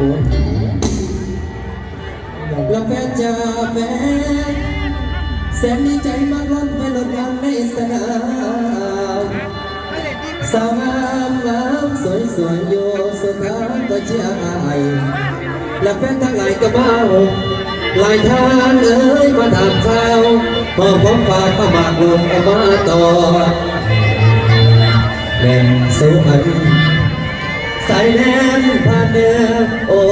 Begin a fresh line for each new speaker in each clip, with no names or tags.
แล้วแฟนจะแฟนแสนดีใจมากล้นไปหลดงานในสนามสาวงามงามสวยสวยโยสุดท้ายก็เชียร์อายและแฟนทั้งหลายก็เมาหลายทางเอ้ยมาถามข่าวพอผมฝากมาบากลงเอามาต่อแหล่งสุพรรณสายแนมผ่านเดินโอ้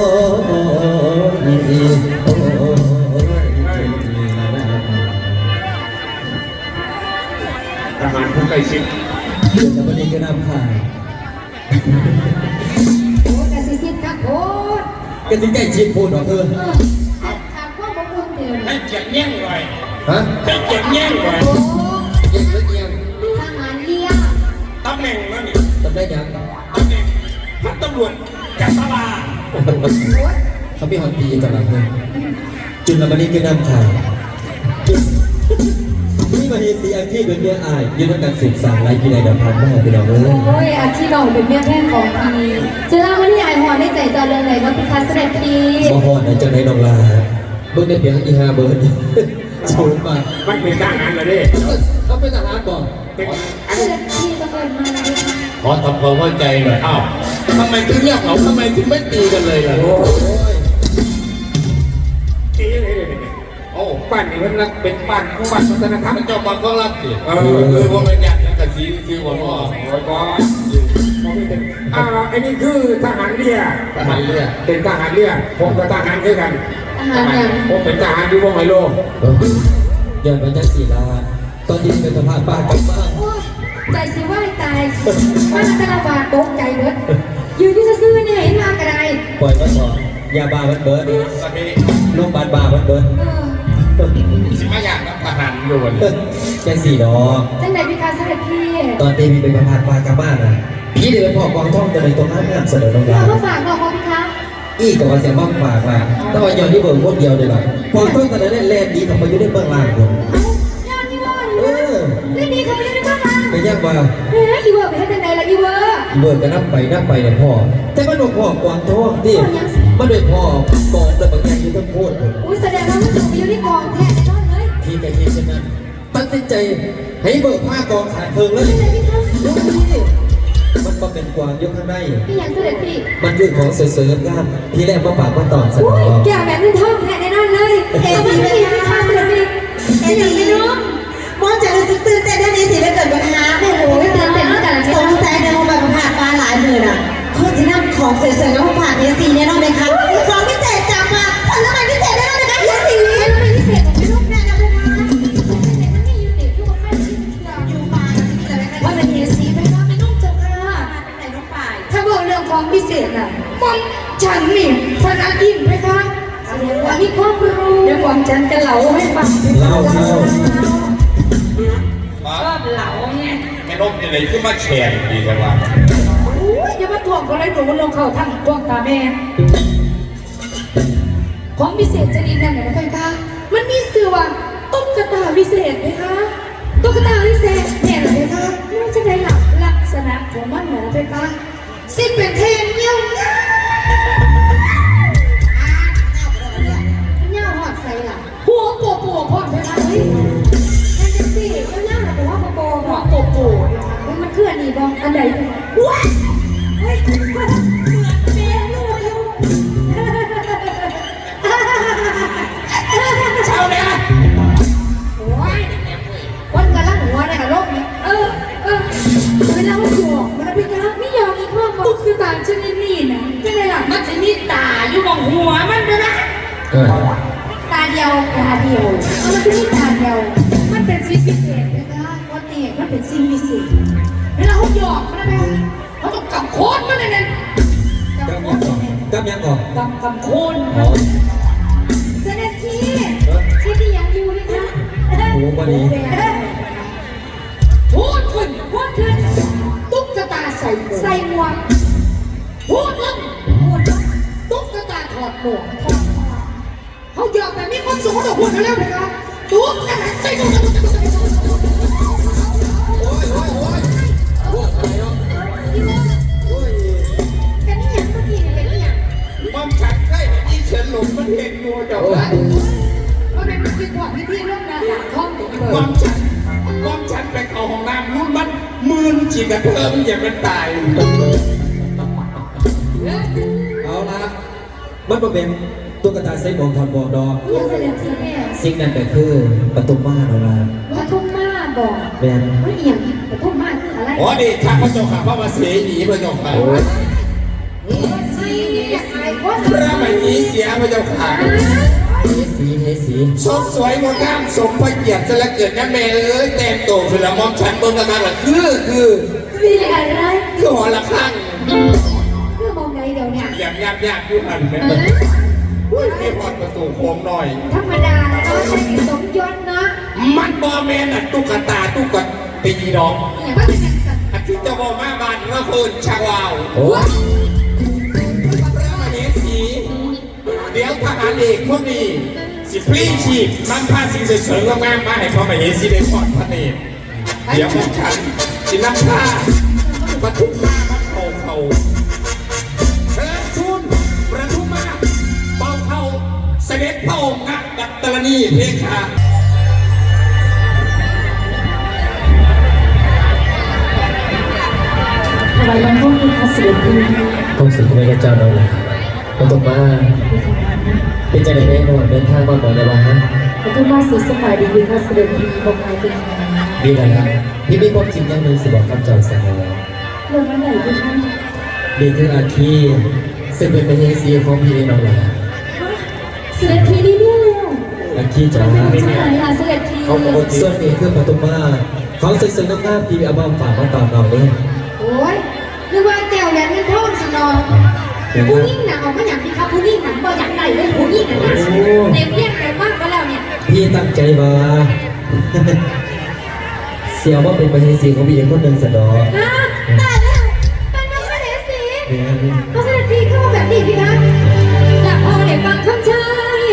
ทหารผู้ใกล้ชิด
เดี๋ยววันนี้ก็นำข่าว
โอ้กระซิบครับโอ้
ก็ถึงใกล้ชิดพูดหรอ
ถามว่าบ่คุ้มเดียว
ให้เกียรติแย่งไว้
ฮะ
ให้เกียรติแย่งไว้
โอ้
เยังเยัง
ทหารเลี้ยง
ตำแหน่งนั่นนี่
ตำได้ยัง
ตำแหน่งพันตำรวจจักรวาล
เขาไม่หอนดีกันหรอกจุลวันนี้ก็นำข่าวนี่มาเห็นสีอาชีพเป็นเมียอายยืนด้วยกันสืบสานไรกินไรดับพันมากพี่น้องเลย
โอ้ยอาชีพเราเป็นแม่แพทย์ของพีจะเล่าว่าที่ไอหอนได้ใจจอเรื่องไหนว่าพิคัสเสด็จพี
บ่ฮอดในจังไรน้องลาเบิ่งได้เพียงอี5เบิร์ดชูมา
มันเป็นทหารเลยดิ
เขาเป็นทหารบ่
เป็น
เสด็จพีบังเอิญมาเลย
ขอทำความเข้าใจหน่อยอ้าวทำไมถึงเงียบเหงาทำไมถึงไม่ตีกันเลยล่ะตีเลยโอ้บ้านนี้มันรักเป็นบ้านของบ้านวัฒนธรรมเจ้าบ้านก็รักสิคือว่ามันอยากจะสีซื้อหัวหม้อโอ้ยบอสอันนี้คือทหารเรือเป็นทหารเรือผมกับทหารด้วยกันผมเป็นทหารที่วงไฮโล
เดินไปจังสีลาตอนนี้เป็นสภาพบ้านกับบ้าน
ใจสิว่าตายมาตลาดบาตกใจเบิดยืนที่จะซื้อเนี่ยเห็นมากระได
ปล่อยมันบอกยาบ้ามันเบิร์ดลูกบาดบ้ามันเบิร์ด
สิมาอยากกับทหารอยู่วัน
จังสีดอก
จังไหนพิการเสด็จพี่
ตอนตีมีเป็นประพาสบ้านกับบ้านนะพี่เดินพ่อกองท่องจะในตรงนั้นงานเสนอลงมา
เขาฝากบอกพี่คะ
อีกกับว่าเสียบ้างฝากมาต้องย้อนที่เบิร์ดพวกเดียวเลยหรอกองท่องตอนนั้นแล่นดีทำไปยุ่งได้เบื้องล่างคน
ย้อนที่ว่าเล่นดีเขาไม่ได้เบื้องล่าง
ไปย่างว่า
อีเวอร์ไปให้จังไหนล่ะอีเวอร์
เบิร์ดก็นับไปเนี่ยพ่อแต่มันบอกพ่อกองท่องที่มันโดยพ่อกองแต่บางอย่างอยู่ทั้งพูด
อุ้ยแสดงว่ามันถูกอยู่ที่กองแท้แน่นอนเลย
ที่ใจเย็นฉะนั้นตั้งใจให้เบิกผ้ากองขาดเพิงเลยดูนี่มันมาเป็นกวางยกข้างใน
พี่ยังเสด็จพี่
มันคือของเสริมงานที่แรกมาฝากมาตอนสนอง
แกแบบนี้ท่องแท้แน่นอนเลยเอซีไม่ได้ค่ะเสด็จพี่เอซีไม่รู้
มองจากตื่นเต้นด้านนี้สิแล้วเกิดปัญหา
โอ้โหตื่นเต้นตั้งแต่
สงสัยในห้องแบบผ่านมาหลายหมื่นอ่ะเขาจะนำของสวยๆแล้วมาฝากเอซีแน่นอนไหมคะของพิเศษจากมาผลไม้พิเศษแน่นอนไหมคะเอซี
ผลไม้พิเศษของพี่ลูกแน่นอนเลยค่ะมันมีอยู่เด็กที่ว่าไม่ชินอยู่มาว่าเป็นเอซีไม่ว่าไม่นุ่งจังค่ะไหนน้องป่ายถ้าบอกเรื่องของพิเศษน่ะมันฉันนี่พนักอิ่มไหมคะวันนี้ความรู้เดี๋ยวความฉันจะเล่าให้ฟัง
เล่า
ชอบเหล่าเนี่ย
ไม่ลบอะไรขึ้นมาแฉนดีจังวะ
อย่ามาทวงเขาเลยหนูลงเขาทั้งทวงตาแม่ของพิเศษจะดีนั่นไหนนะพี่คะมันมีเสือว่าตุ๊กตาพิเศษไหมคะตุ๊กตาพิเศษเนี่ยเหรอพี่คะมันจะได้หลักลักษณะของมันเหรอพี่คะสิ่งเป็นเทนเงี้ยวเงี้ยวหอดใส่หลังหัวโปโปพอดพี่คะเฮ้ยนั่นจะสิเงี้ยวแต่ว่าโปหัวโปโปมันเคลื่อนนี่บ้างอันใดว้าเฮ้ยเหมือนเบี้ยลูกอยู่
เช้าเนี่ย
โอ้ยวันกันละหัวเลยค่ะโลกนี้เวลาเขาหยอกมันเป็นการไม่ยอมอีกพ่อตุ๊กตาชนิดนี้นะยังไงล่ะมันจะมีตาอยู่บนหัวมันด้วยนะตาเดียวมันจะมีตาเดียวมันเป็นสิ่งพิเศษนะคะวันนี้มันเป็นสิ่งพิเศษเวลาเขาหยอกมันอะไรเขาต้องกำโคนมันเลย
กำยังก่อน
กำโคนเสด็จพี่ที่ยังอยู่นะคะ
โอ้วันนี้
พูดขึ้นตุ๊กตาใส่หมวกพูดลงตุ๊กตาถอดหมวกเขาหยอกแบบนี้คนสูงเขาจะพูดกันแล้วนะคะตุ๊กตาใส่หมวกกันนี่ยังเมื่อกี้เป็นยัง
ป้อมฉัน
ด่าท่องไปเล
ความฉันไปเข้าห้องน้ำรุ่นมันมืนจีกระเทิมอย่างมันตาย
เอาละมันบ่เป็นตุ๊กตาไซบองทอนบองดอก
ยังเสด็จพี่เนี่ย
สิ่งนั้นก็คือประตูบ้านเราละ
ว่าทุ่มมาบอก
แม่น
ว่าเอียงว่าทุ่มมาคืออะไร
อ๋อดีข้าพระเจ้าข้าพระมาเสียหนีพระเจ้าค่ะ
สิไอ้คน
พระไม่หนีเสียพระเจ้าค่ะ
เฮสี
สดสวยงดงามสมพระเกียรติจะละเกิดนะแม่เอ้ยแต่งโตคือละมอมฉันบนกระดานละคือ
คืออะไร
หอละข้าง
คือมองใดเดี๋ยวเนี่ย
หยาบอยู่หันแม่ไม่พอดประตูโค้งหน่อย
ธรรมดาแล้วก็ใช้สมยศนะ
มันบอแมนอ่ะตุ๊กตาตุ๊กตีดอก
อย่างว่าเป็นอย่างสัตว์
อาทิตย์เจ้าพ่อมาบ้านเมื่อคืนชาวาว
โอ้
พระมเหสีเดี๋ยวทหารเอกพวกนี้สิพลีชีพมันพาสิ่งสวยๆงามๆมาให้พระมเหสีได้ทอดพระเนตรเดี๋ยวพวกฉันสินำผ้ามาทุกผ้ามาเขาเชิญชุนประทุมมาเป่าเขาเสด็จพระองค์นักดัตตรณีเพคะ
ทำไมมันต้องมีคาสิเดี
ต้องสุดที่พระเจ้าเราละประตูบ้านเป็นใจในแม่นอนเดินทางมาบ่อยในวันนั้น
แล้วก็มาสื่อสมัยดีคาสิเดีบอกใครเป็น
ดีแล้วครับพี่มีความจริงอย่างหนึ่งสิบอกคำเจ้าเสมอ
เรื่องอะไรพี่ท่าน
ดีคืออาคีซึ่งเป็นเฮสีของพี่เองเราละ
เสด็จทีนี่เนี่ยเลย
อาคีจ๋า
ใช่ค่ะเสด็จที
ส่วนนี้คือประตูบ้านของสวยๆงามๆที่เอาบ้าฝากมาตอนเราเนี่ย
โอ้ยนึกว่าแก้วยันเงินทองสินองผู้ยิ่งหนักออกมาอย่างที่เขาผู้ยิ่งหนักบ่อยากได้เลยผู้ยิ่งหนักเต็มเรียกแต่มากก็แล้วเนี่ย
พี่ตั้งใจมา เสียว่าเป็นประเทศสีของพี่เองคนหนึ่งสะดอก
ฮะตายแล้วเป็นมาเสด็จสีเขาเสด็จทีเข้ามาแบบนี้พี่คะหลับพอได้ฟังคำชาย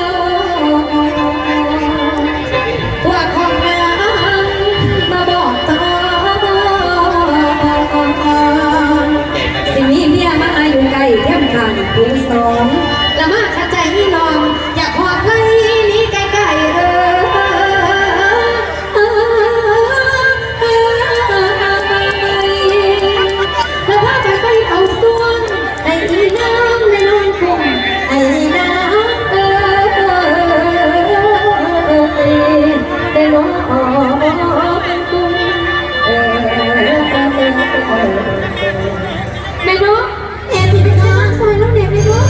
ว่าของนางมาบอกตาสิ่งนี้เมียมาอยู่ไกลเข้มขังผู้สอนละมาขัดใจนี่น้องอยากหอบไล่นี้ไกลๆแล้วพาไปเอาส่วนไอ้น้ำในน้องคงไอ้น้ำได้น้องกุ้งแม่น้องแอบสิไปทางซอยน้องเด็กแม่น้อง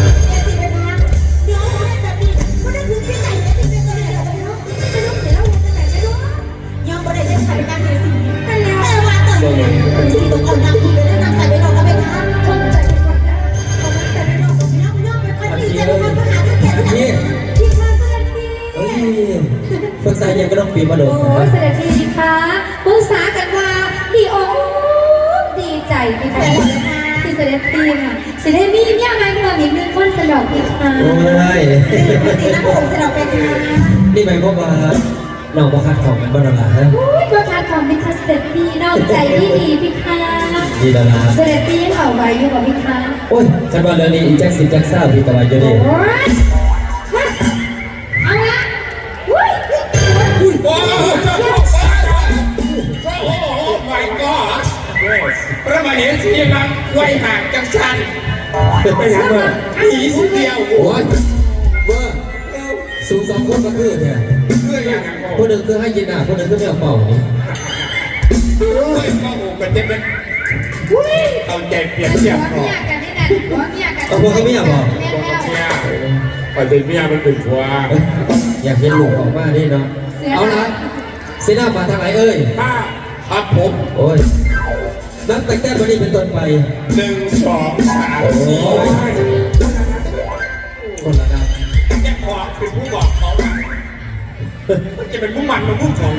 ยังบ่ได้เล่นใส่กันเลยสิแต่ว่าตอนนี้สิต้องเอาน้ำที่ไปเล่นน้ำใส่ไปดอกแล้วไปทานชมใจก่อนนะเอาน้ำใส่ไปดอกกับน้ำไปค่อยดีใจกันมาหาแก่ที่
พี่
พี่คะเสด็จพี่
เฮ้ยปรึกษายังก็ต้องปีมาโด
โอ้
ดนะ
เสด็จพี่คะปรึกษากันว่าดีอกดีใจพี่คะที่เสด็จพี่ค่ะสิได้มีเมียใหม่เพิ่มอีกหนึ่งคนสยองพี่คะ
โอ้ย
ตีน้ำผมสลับไปทาน
นี่หมายความว่าเราประคัดของกันบ้างหรอฮะ
โอ้ยตัวทานของพี่คะเสด็จพี่นอกใจที่ดีพี่คะ
ดีแล้วนะ
เสด็จพี่ยังเอาไว้อยู่กับพี่คะ
โอ้ยฉันว่าเรื่องนี้อีแจ็คสิแจ็คซ่าพี่ตะวันอยู่
โอ้
ดี
ยเอาละอุ้ย
โอ้โหโอ้โห my god พระมเหสีมังไว้ห่างจังชันไปหาเมื่อผีสิเดียว
โอ้ยเมื่อสูงสองคนก็คือเนี่ย
เพื่ออย่างนั้น
คนหนึ่งคือให้ยินอ่ะคนหนึ่งคือไม่เอาเป่านี่
เฮ้ยพ่อโอ้กันจะเป็นเอาใจเปลี่ยนเสียง
หัว
หน่อ
เมี
ย
ยกันนี่นะหัวเมียกัน
เอาพวกเขาไม่อยากบอก
แม่แล้ว
เนี่ยไปเป็นเมียมันเป็นผัว
อยากเห็นลูกออกมาดิเนาะเอาละเสนามาทางไหนเอ้ย
ถ้าครับผม
โอ้ยนับแต่แก้วันนี้เป็นต้นไป
1 2 3 4
คนละนับ
แกขอเป็นผู้บอกเขาว่าจะเป็นผู้มันมาผู้ของ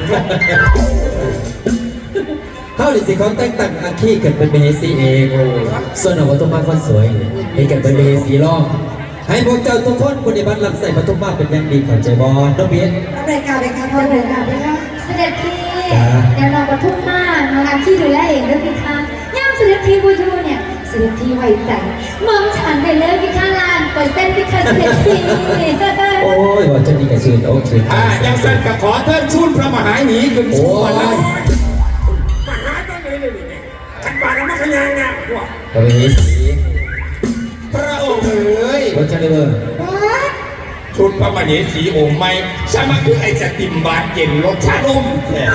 เข้าดิสิเขาแต่งตั้งอาชีพกันเป็นเบสีเองส่วนเอาวัตถุมาคนสวยให้กันเป็นเบสีรอบให้พวกเจ้าทุกคนปฏิบัติรับใส่วัตถุมาเป็นอย่างดีเข้าใจบอน้องเบียน
รายการเลยค่ะ
พอเลยค่ะพี่คะเสด็จพี่เดี๋ยวเราก็ทุ่มมากนะคะที่ดูแลเองด้วยพี่คะย่ามเสด็จพี่บูยูเนี่ยเสด็จพี่ไว้ใจมองฉันไปเลยพี่คะล้านเปอร์เซ็นต์พี่คะเสด็จพี่
โอ้ยว่าจะดีกับชื่นโอเค
ยังสั่นก็ขอเทิดชุนพระมหาหนีขึ้นสู่วันนั้นมหาต้องเลยนี่ขันบาทมาขยังเนี่ย
กระเวสี
พระองค์เอ๋ย
รถจะได้เบอร์
ชุดพระมเหสีองค์ใหม่สามาคือไอ้สติมบานเย็นรสชาติอม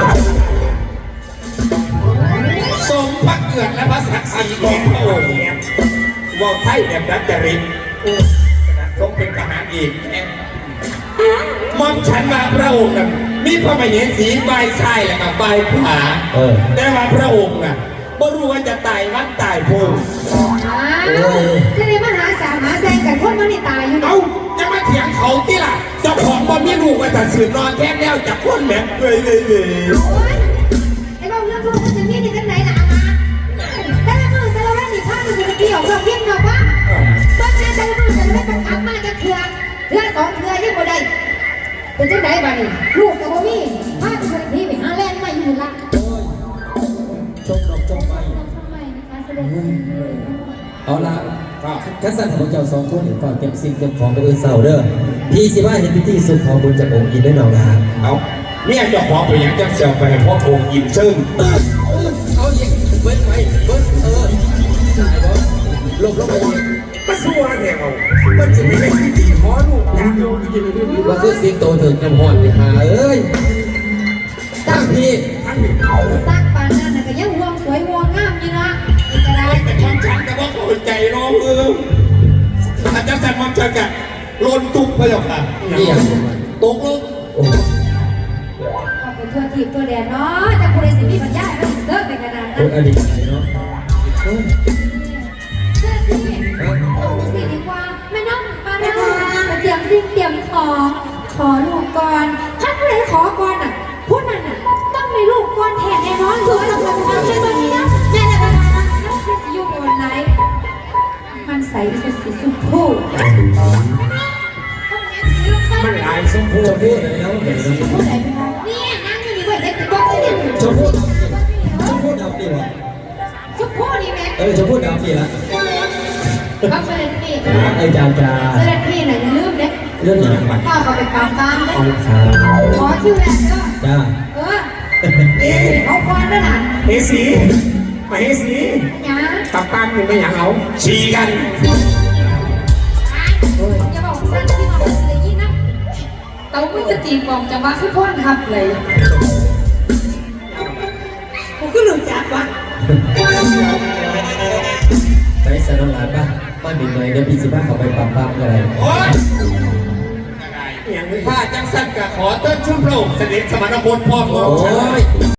สมพระเกียรติและพระศักดิ์ศรีของพระองค์ว่าไทยแบบนักจริตทรงเป็นทหารอีกมอมฉันมาพระองค์น่ะมีพระมเหสีใบชายและกับใบขวาแต่ว่าพระองค์น่ะไม่รู้ว่าจะตายวัดตายภูมิ
ก็เลยมาหาสามหาแซงกันคนมันนี่ตายอยู่
เอาจะมาเถียงเขาที่ล่ะเจ้าของบอลไม่รู้ว่าจะสืบนอนแค่แล้วจากคนแหม่เลย
ไอ้บ้าเรื่องพวกมันจะมีในกันไหนล่ะแต่ละมือแต่ละวันนี่ข้ามันจะเกี่ยวกับเพียงเราบ้างต้นแม่แต่ละมือแต่ละวันมันกลับมาจะเถื่อสองเถื่อยังบ่ได้เป็นจังไหนบ้านี่ลูกกับพ่อมี่พาไปคนพี่ไปหาแลนด์มาอยู่ละ
ชมดอกชมไฟ
ทำไมนะคะแสดง
เอาละคัสสันของเจ้าสองคนฝากเก็บสิ่งเก็บของไปอื่นเสาเด้อพี่สิว่าเห็นพิธีสุดของบุญจากองค์อินได้หนองนา
เอาเนี่ยเจ้าของไปยังจะเสียวไปเพราะองค์อินซึ่ง
เอาอีกเบิ้ลไปเบิ้ลตายบ่ลบไปอีก
มาสู้อะไรเอามันจะไม่ได้ที่ขอลูกอยากโยนกิน
ว่าคือสิงโตถึงกำหอนไปหาเอ้ยตั้งพี่
ทั้งหนึ่งเอา
สร้างปานนั้นน่ะก็ยังห่วงสวยห่วงงามอยู่นะอีกอะไร
แต่ความฉันแต่ว่าเข้าใจน้องอาจารย์สั่งความฉันกันลนตุกไปหรอกค่ะ
นี่อย่าง
ตกลูก
โอ้
เอาไปทั่วทีบทั่วแดนเนาะจะพูดได้สิมีปัญญาให้มันเลิกไปขนาด
ค
นั้น
นอดีตเนาะ
เสื้อที่เอาสิดีกว่าแม่น้องปานามาเตรียมสิ่งเตรียมของขอลูกก่อนถ้าผู้ใดขอก่อนน่ะผู้นั้นน่ะต้องมีลูกก่อนแทนแน่นอนถูกต้องแล้วนะใช่ไหมนะแม่ละปานาน้องคือสิอยู่บนไหนมันใสสุดสุดคู่
มันหลายสม
ช
บูร
ม
ณ์
พู่แล้วเห็น
ผู้ใดเป็นนี่นั่งอยู่นี่เว้ยเด็กติดบ้านเนี่ย
ชมพู่ชมพู่ดำดีวะ
ชุบผู้นี่แม่
ชมพู่ดำดีละ
ก็เสด็จพี่
ไอ้จานจา
เสด็จพี่น่ะอย่าลืมเด็ก
เรื่องอย่างบัตร
ข้าเขาไปปามตามเด็ก
เอาขา
ขอคิวแรกเด้อ
จ้า
เอาก่อนด้วยนะ
เฮสีมาเฮสี
หยา
ตับตันอยู่ไม่อยากเอาฉีกัน
อย่าบอกสั้นที่บอกสิยินนะเต้าไม่จะตีกองจังหวะคือพ่นทับเลยกูก็หลุดจากวะ
ไปสนองหลานป่ะบ้านบินหน่อยเดี๋ยวพี่สิบ้าเขาไปปั๊มอะไร
โอ๊ยถ้าจังสั้นก็ขอเติ้ลชุ่มโปร่งเสด็จสมณพลพ่อของ
โอ้
ฉัน
ย